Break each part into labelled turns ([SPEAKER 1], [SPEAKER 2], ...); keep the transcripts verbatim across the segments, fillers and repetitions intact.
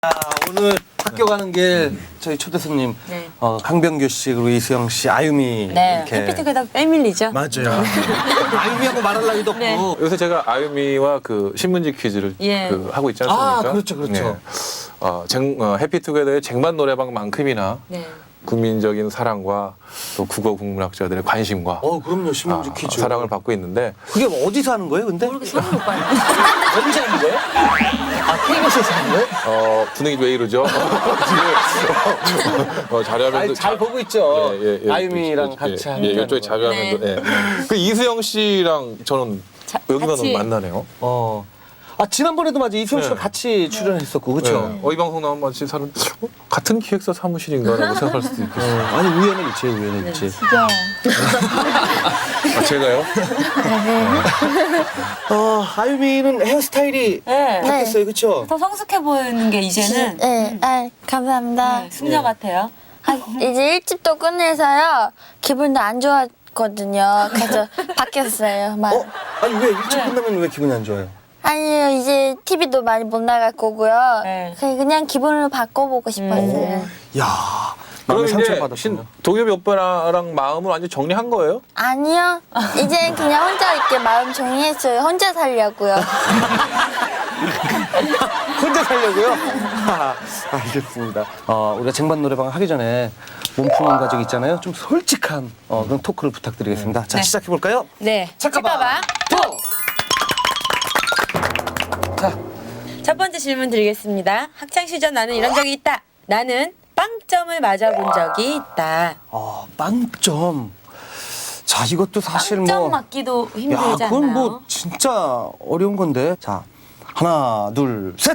[SPEAKER 1] 오늘 학교 가는 길 저희 초대 손님
[SPEAKER 2] 네.
[SPEAKER 1] 어, 강병규 씨 그리고 이수영 씨, 아유미
[SPEAKER 2] 네,
[SPEAKER 1] 이렇게
[SPEAKER 2] 해피투게더 패밀리죠.
[SPEAKER 1] 맞아요. 아유미하고 말할 나위도 없고.
[SPEAKER 2] 네.
[SPEAKER 3] 요새 제가 아유미와 그 신문지 퀴즈를
[SPEAKER 2] 예.
[SPEAKER 3] 그 하고 있지 않습니까?
[SPEAKER 1] 아, 그렇죠, 그렇죠.
[SPEAKER 3] 어, 쟁, 어, 해피투게더의 쟁반 노래방만큼이나
[SPEAKER 2] 네.
[SPEAKER 3] 국민적인 사랑과 또 국어 국문학자들의 관심과
[SPEAKER 1] 어, 그럼요. 신문지
[SPEAKER 3] 아,
[SPEAKER 1] 퀴즈.
[SPEAKER 3] 사랑을 받고 있는데
[SPEAKER 1] 그게 어디서 하는 거예요, 근데?
[SPEAKER 2] 모르겠어, 성훈 오빠는.
[SPEAKER 1] 어디서 하는 거예요? 아, 케이비에스에서 하는 거예요?
[SPEAKER 3] 어, 분위기 왜 이러죠? 지금 어, 자료화면도
[SPEAKER 1] 아니, 잘 보고 있죠.
[SPEAKER 3] 예, 예, 예,
[SPEAKER 1] 아유미랑
[SPEAKER 3] 예,
[SPEAKER 1] 같이
[SPEAKER 3] 예,
[SPEAKER 1] 하는
[SPEAKER 3] 예,
[SPEAKER 1] 거.
[SPEAKER 3] 이쪽에 자료화면도 예. 그 이수영 씨랑 저는
[SPEAKER 2] 자,
[SPEAKER 3] 여기가
[SPEAKER 2] 같이-
[SPEAKER 3] 너무 만나네요.
[SPEAKER 1] 어. 아, 지난번에도 맞아. 이수영 씨랑
[SPEAKER 3] 네.
[SPEAKER 1] 같이 출연했었고, 그렇죠?
[SPEAKER 3] 네. 어, 이 방송 나오면 마치 사람 어? 같은 기획사 사무실인가라고 생각할 수도 있겠어요.
[SPEAKER 1] 어, 아니, 우연은 있지, 우연은 있지.
[SPEAKER 3] 아, 제가요?
[SPEAKER 1] 어, 아유미는 헤어스타일이
[SPEAKER 2] 네.
[SPEAKER 1] 바뀌었어요, 그렇죠?
[SPEAKER 2] 더 성숙해 보이는 게 이제는
[SPEAKER 4] 네, 아, 감사합니다.
[SPEAKER 2] 네, 숙녀 같아요.
[SPEAKER 4] 아, 이제 일집도 끝내서요. 기분도 안 좋았거든요. 그래서 바뀌었어요. 막.
[SPEAKER 1] 어? 아니, 왜 일찍
[SPEAKER 2] 네.
[SPEAKER 1] 끝나면 왜 기분이 안 좋아요?
[SPEAKER 4] 아니요, 이제 티비도 많이 못 나갈 거고요.
[SPEAKER 2] 네.
[SPEAKER 4] 그냥 그냥 기분을 바꿔보고 싶었어요.
[SPEAKER 1] 야,
[SPEAKER 3] 그럼
[SPEAKER 1] 마음에
[SPEAKER 3] 이제
[SPEAKER 1] 상처받았군요.
[SPEAKER 3] 신 도겸이 오빠랑 마음을 완전 정리한 거예요?
[SPEAKER 4] 아니요, 이제 그냥 혼자 있게 마음 정리했어요. 혼자 살려고요.
[SPEAKER 1] 혼자 살려고요? 아, 알겠습니다. 어, 우리가 쟁반 노래방 하기 전에 몸 푸는 과정 있잖아요. 좀 솔직한 어, 그런 토크를 부탁드리겠습니다. 자,
[SPEAKER 2] 네.
[SPEAKER 1] 시작해 볼까요?
[SPEAKER 2] 네.
[SPEAKER 1] 잠깐만.
[SPEAKER 2] 톡!
[SPEAKER 1] 자,
[SPEAKER 2] 첫 번째 질문 드리겠습니다. 학창 시절 나는 이런 적이 있다. 나는 빵점을 맞아본 적이 있다.
[SPEAKER 1] 어, 빵점. 자, 이것도 사실
[SPEAKER 2] 빵점
[SPEAKER 1] 뭐.
[SPEAKER 2] 맞기도
[SPEAKER 1] 야,
[SPEAKER 2] 힘들지
[SPEAKER 1] 그건
[SPEAKER 2] 않나요?
[SPEAKER 1] 뭐 진짜 어려운 건데. 자, 하나, 둘, 셋.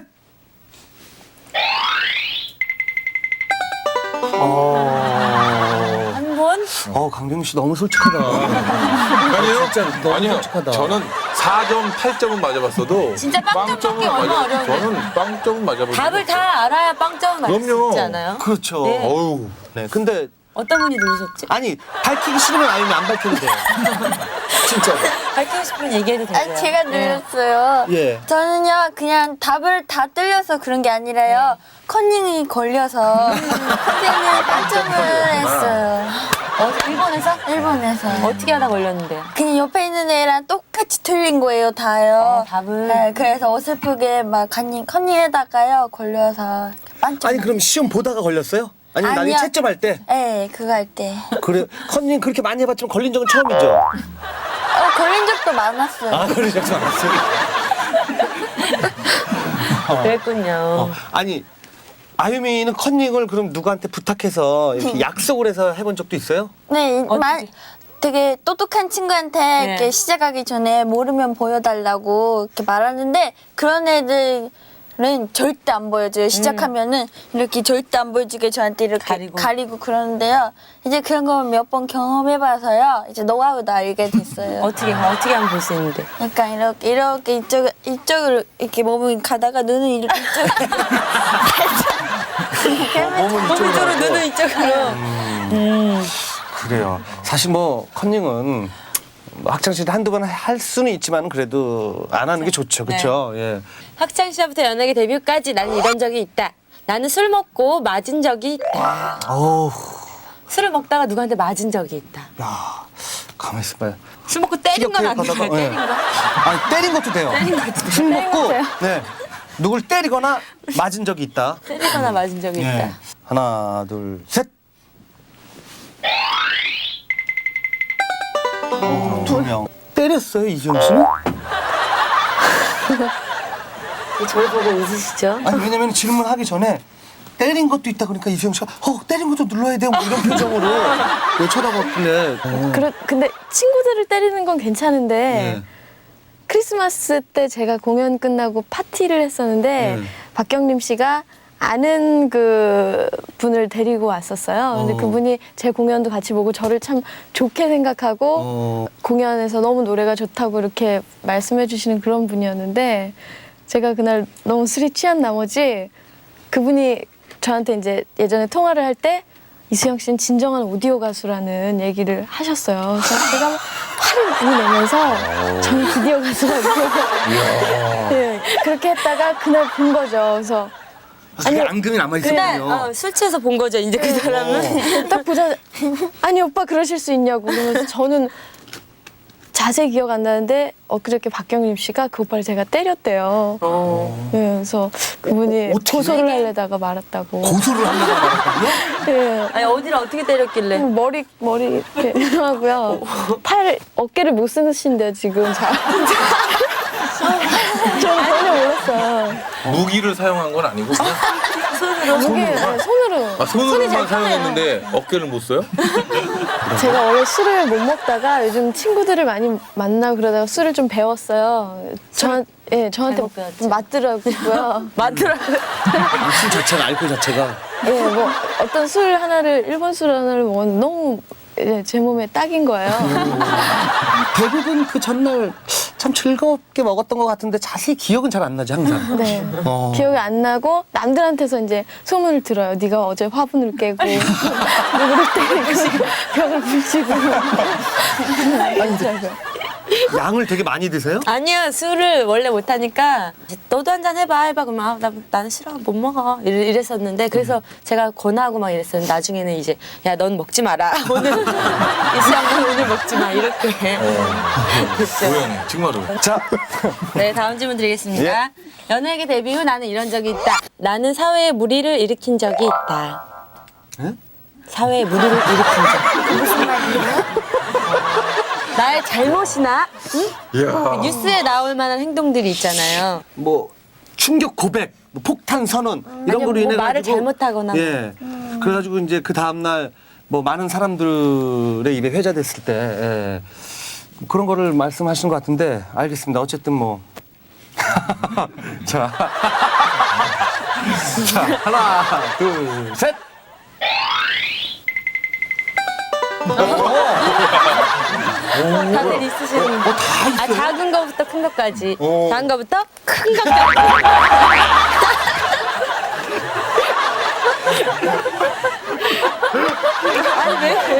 [SPEAKER 1] 어,
[SPEAKER 2] 한 번?
[SPEAKER 1] 어 강병규 씨 너무 솔직하다.
[SPEAKER 3] 아니요.
[SPEAKER 1] 진짜 너무
[SPEAKER 3] 아니요.
[SPEAKER 1] 솔직하다.
[SPEAKER 3] 저는 사 점, 팔 점은 맞아봤어도
[SPEAKER 2] 진짜 빵점
[SPEAKER 3] 빵점은
[SPEAKER 2] 맞기 얼마나
[SPEAKER 3] 맞아-
[SPEAKER 2] 어려운데.
[SPEAKER 3] 저는 빵점은 맞아본 적이
[SPEAKER 2] 답을
[SPEAKER 3] 없어요.
[SPEAKER 2] 다 알아야 빵점을 맞을 수
[SPEAKER 3] 그럼요.
[SPEAKER 2] 있지 않아요?
[SPEAKER 1] 그렇죠.
[SPEAKER 2] 네.
[SPEAKER 3] 어우.
[SPEAKER 1] 네, 근데
[SPEAKER 2] 어떤 분이 누르셨지?
[SPEAKER 1] 아니 밝히기 싫으면 아니면 안 밝혀도 돼요. 진짜로.
[SPEAKER 2] 밝히고 싶으면 얘기해도 되고요.
[SPEAKER 4] 아, 제가
[SPEAKER 2] 네.
[SPEAKER 4] 눌렀어요.
[SPEAKER 1] 예.
[SPEAKER 4] 저는요, 그냥 답을 다 틀려서 그런 게 아니라요. 컨닝이 걸려서 선생님이 빵점을 했어요.
[SPEAKER 2] 어, 일본에서?
[SPEAKER 4] 일본에서.
[SPEAKER 2] 어떻게 하다 걸렸는데요?
[SPEAKER 4] 그냥 옆에 있는 애랑 똑같이 틀린 거예요, 다요.
[SPEAKER 2] 어, 답을?
[SPEAKER 4] 네, 그래서 어설프게 막 컨닝, 컨닝에다가요, 걸려서 빵점.
[SPEAKER 1] 아니 그럼 시험 보다가 걸렸어요? 아니면 나중에
[SPEAKER 4] 아니요.
[SPEAKER 1] 채점할 때?
[SPEAKER 4] 네, 그거 할 때.
[SPEAKER 1] 그래 컨닝 그렇게 많이 해봤지만 걸린 적은 처음이죠?
[SPEAKER 4] 어, 걸린 적도 많았어요.
[SPEAKER 1] 아 걸린 적도 많았어요.
[SPEAKER 2] 그랬군요.
[SPEAKER 1] 어, 아니 아유미는 컨닝을 그럼 누구한테 부탁해서 이렇게 약속을 해서 해본 적도 있어요?
[SPEAKER 4] 네,
[SPEAKER 2] 어떻게?
[SPEAKER 4] 마, 되게 똑똑한 친구한테
[SPEAKER 2] 네.
[SPEAKER 4] 이렇게 시작하기 전에 모르면 보여달라고 이렇게 말하는데 그런 애들은 절대 안 보여줘요. 시작하면은 이렇게 절대 안 보여주게 저한테 이렇게
[SPEAKER 2] 가리고.
[SPEAKER 4] 가리고, 그러는데요. 이제 그런 걸 몇 번 경험해봐서요. 이제 노하우도 알게 됐어요.
[SPEAKER 2] 어떻게, 어떻게 하면 볼 수 있는데?
[SPEAKER 4] 약간 이렇게 이렇게 이쪽 이쪽으로 이렇게 몸을 가다가 눈은 이렇게 이쪽.
[SPEAKER 1] 몸은
[SPEAKER 2] 몸 이쪽으로,
[SPEAKER 1] 하고.
[SPEAKER 2] 눈은 이쪽으로. 음.
[SPEAKER 1] 그래요. 사실 뭐 컨닝은 뭐 학창시절 한두 번 할 수는 있지만 그래도 안 하는 게 좋죠. 그렇죠? 예.
[SPEAKER 2] 학창 시절부터 연예계 데뷔까지 나는 이런 적이 있다. 나는 술 먹고 맞은 적이 있다.
[SPEAKER 1] 어우,
[SPEAKER 2] 술을 먹다가 누구한테 맞은 적이 있다.
[SPEAKER 1] 야, 가만 있어봐요.
[SPEAKER 2] 술 먹고 때린 건 안 돼요.
[SPEAKER 1] 가다가,
[SPEAKER 2] 때린
[SPEAKER 1] 예.
[SPEAKER 2] 거.
[SPEAKER 1] 아니 때린 것도 돼요.
[SPEAKER 2] 때린 것도
[SPEAKER 1] 술
[SPEAKER 2] 돼요.
[SPEAKER 1] 먹고
[SPEAKER 2] 때린
[SPEAKER 1] 네 누굴 때리거나 맞은 적이 있다.
[SPEAKER 2] 때리거나 맞은 적이
[SPEAKER 1] 예.
[SPEAKER 2] 있다.
[SPEAKER 1] 하나, 둘, 셋. 어, 두 명. 때렸어요 이수영 씨는?
[SPEAKER 2] 저를 보고 웃으시죠?
[SPEAKER 1] 아니 왜냐면 질문하기 전에 때린 것도 있다 그러니까 이수영 씨가 어 때린 것도 눌러야 돼요 뭐 이런 표정으로 왜 쳐다봤길래. 어.
[SPEAKER 5] 그래, 근데 친구들을 때리는 건 괜찮은데
[SPEAKER 1] 예.
[SPEAKER 5] 크리스마스 때 제가 공연 끝나고 파티를 했었는데
[SPEAKER 1] 네.
[SPEAKER 5] 박경림 씨가 아는 그 분을 데리고 왔었어요. 근데
[SPEAKER 1] 어.
[SPEAKER 5] 그분이 제 공연도 같이 보고 저를 참 좋게 생각하고
[SPEAKER 1] 어.
[SPEAKER 5] 공연에서 너무 노래가 좋다고 이렇게 말씀해 주시는 그런 분이었는데 제가 그날 너무 술이 취한 나머지 그분이 저한테 이제 예전에 통화를 할 때 이수영 씨는 진정한 오디오 가수라는 얘기를 하셨어요. 그래서 제가 막 화를 많이 내면서 저는 비디오 가수라고 네, 그렇게 했다가 그날 본 거죠. 그래서
[SPEAKER 1] 아니 앙금이 남아
[SPEAKER 2] 그날
[SPEAKER 1] 있었군요.
[SPEAKER 2] 어, 술 취해서 본 거죠. 이제 그 사람은.
[SPEAKER 5] 딱 보자 아니 오빠 그러실 수 있냐고 그러면서 저는 자세히 기억 안 나는데 엊그저께 박경림 씨가 그 오빠를 제가 때렸대요.
[SPEAKER 2] 어.
[SPEAKER 5] 네, 그래서 그분이
[SPEAKER 1] 어떻게?
[SPEAKER 5] 고소를 하려다가 말았다고.
[SPEAKER 1] 고소를 하려고 말았거든요.
[SPEAKER 5] 네.
[SPEAKER 2] 아니 어디를 어떻게 때렸길래?
[SPEAKER 5] 머리 머리 이렇게 하고요. 팔 어깨를 못 쓰신대요 지금 잘. 저는 전혀 몰랐어요.
[SPEAKER 3] 무기를 사용한 건 아니고 그냥
[SPEAKER 5] 무게 네, 손으로.
[SPEAKER 3] 아, 손으로만 사용했는데 어깨를 못 써요?
[SPEAKER 5] 제가 원래 술을 못 먹다가 요즘 친구들을 많이 만나고 그러다가 술을 좀 배웠어요. 저, 예, 저한테
[SPEAKER 2] 잘못 배웠죠.
[SPEAKER 5] 맞더라고요.
[SPEAKER 2] 맞더라고요.
[SPEAKER 1] 술 자체가 알코올 자체가.
[SPEAKER 5] 예, 뭐 어떤 술 하나를 일본 술 하나를 먹었는데 너무 예, 제 몸에 딱인 거예요.
[SPEAKER 1] 대부분 그 전날 참 즐겁게 먹었던 것 같은데 자세히 기억은 잘 안 나지 항상.
[SPEAKER 5] 네.
[SPEAKER 1] 어.
[SPEAKER 5] 기억이 안 나고 남들한테서 이제 소문을 들어요. 네가 어제 화분을 깨고 누구를 때리고 벽을 부시고. 아니더라고요.
[SPEAKER 1] 양을 되게 많이 드세요?
[SPEAKER 2] 아니요, 술을 원래 못하니까 너도 한 잔 해봐 해봐 그러면 아, 나, 나는 싫어 못 먹어 이래, 이랬었는데 그래서 제가 권하고 막 이랬었는데 나중에는 이제 야 넌 먹지 마라 오늘 이수양은 오늘 먹지 마 이렇게 됐죠.
[SPEAKER 3] 우연해 정말로.
[SPEAKER 1] 자,
[SPEAKER 2] 네, 다음 질문 드리겠습니다. 연예계 데뷔 후 나는 이런 적이 있다. 나는 사회에 무리를 일으킨 적이 있다.
[SPEAKER 1] 예?
[SPEAKER 2] 사회에 무리를 일으킨 적. 무슨 말이에요? 나의 잘못이나 응?
[SPEAKER 3] 이야.
[SPEAKER 2] 뉴스에 나올 만한 행동들이 있잖아요.
[SPEAKER 1] 뭐 충격 고백, 뭐 폭탄 선언 이런
[SPEAKER 2] 아니요,
[SPEAKER 1] 거로
[SPEAKER 2] 뭐
[SPEAKER 1] 인해
[SPEAKER 2] 말을
[SPEAKER 1] 가지고
[SPEAKER 2] 잘못하거나
[SPEAKER 1] 예. 그래가지고 이제 그 다음 날 뭐 많은 사람들의 입에 회자됐을 때 예. 그런 거를 말씀하시는 것 같은데 알겠습니다. 어쨌든 뭐 자, 자 하나, 둘, 셋.
[SPEAKER 2] 다들 있으시는 거. 아, 작은 거부터 큰 것까지.
[SPEAKER 1] 어.
[SPEAKER 2] 작은 거부터 큰 것까지. 아니 왜?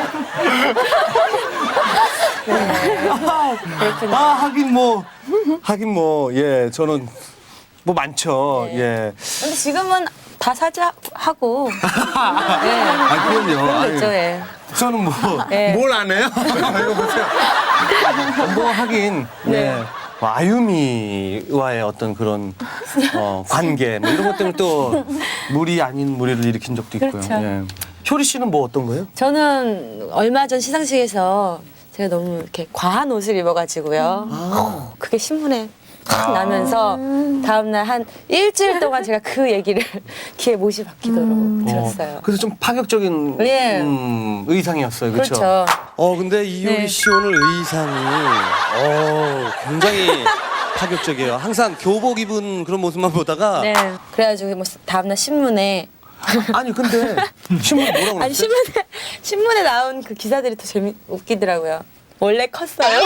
[SPEAKER 1] 아 하긴 뭐 하긴 뭐 예 저는 뭐 많죠. 예.
[SPEAKER 2] 근데 지금은 다 사죄하고. 네.
[SPEAKER 1] 아 그럼요.
[SPEAKER 2] 그런 거
[SPEAKER 1] 아유,
[SPEAKER 2] 있죠, 예.
[SPEAKER 1] 저는 뭐 뭘
[SPEAKER 2] 네.
[SPEAKER 1] 안 해요? 이거 보세요. 뭐 하긴
[SPEAKER 2] 네.
[SPEAKER 1] 예. 뭐 아유미와의 어떤 그런 어, 관계 뭐 이런 것 때문에 또 무리 아닌 무리를 일으킨 적도 있고요.
[SPEAKER 2] 그렇죠.
[SPEAKER 1] 예. 효리 씨는 뭐 어떤 거예요?
[SPEAKER 2] 저는 얼마 전 시상식에서 제가 너무 이렇게 과한 옷을 입어가지고요. 어, 그게 신문에 확 나면서 다음날 한 일주일 동안 제가 그 얘기를 귀에 못이 박히도록 들었어요.
[SPEAKER 1] 어, 그래서 좀 파격적인
[SPEAKER 2] 예.
[SPEAKER 1] 음, 의상이었어요. 그렇죠?
[SPEAKER 2] 그렇죠.
[SPEAKER 1] 어 근데 이효리
[SPEAKER 2] 네.
[SPEAKER 1] 씨 오늘 의상이 어 굉장히 파격적이에요. 항상 교복 입은 그런 모습만 보다가
[SPEAKER 2] 네. 그래가지고 뭐 다음날 신문에
[SPEAKER 1] 아니 근데 신문 뭐라고
[SPEAKER 2] 아니
[SPEAKER 1] 그랬어요?
[SPEAKER 2] 신문에 신문에 나온 그 기사들이 더 재미 웃기더라고요. 원래 컸어요?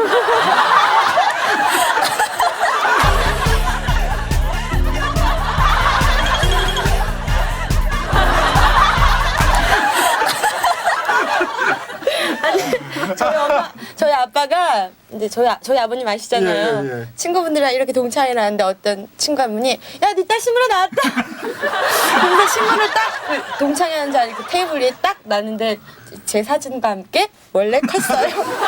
[SPEAKER 2] 저희 엄마, 저희 아빠가 이제 저희 아- 저희 아버님 아시잖아요.
[SPEAKER 1] 예, 예, 예.
[SPEAKER 2] 친구분들이랑 이렇게 동창회 나왔는데 어떤 친구 한 분이 야, 네 딸 신문에 나왔다. 근데 신문을 딱 그 동창회 하는 자리 그 테이블 위에 딱 놨는데 제 사진과 함께 원래 컸어요.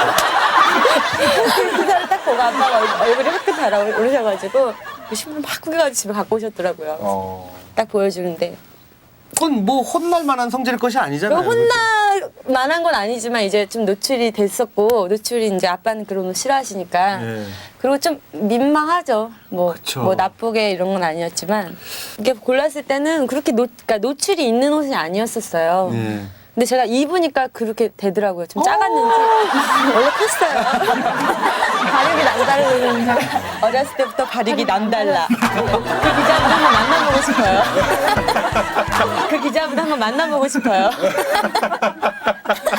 [SPEAKER 2] 그 기사를 딱 보고 아빠가 얼- 얼굴이 화끈 달아오르셔가지고 그 신문 막 구겨가지고 집에 갖고 오셨더라고요.
[SPEAKER 1] 어.
[SPEAKER 2] 딱 보여주는데.
[SPEAKER 1] 그건 뭐 혼날 만한 성질의 것이 아니잖아요.
[SPEAKER 2] 혼날 만한 건 아니지만 이제 좀 노출이 됐었고 노출이 이제 아빠는 그런 거 싫어하시니까
[SPEAKER 1] 예.
[SPEAKER 2] 그리고 좀 민망하죠. 뭐,
[SPEAKER 1] 그쵸.
[SPEAKER 2] 뭐 나쁘게 이런 건 아니었지만 이게 골랐을 때는 그렇게 노, 그러니까 노출이 있는 옷이 아니었었어요.
[SPEAKER 1] 예.
[SPEAKER 2] 근데 제가 입으니까 그렇게 되더라고요. 좀 작았는지 원래 컸어요. 발육이 남다르는 어렸을 때부터 발육이 남달라. 그 기자분 한번 만나보고 싶어요. 그 기자분 한번 만나보고 싶어요.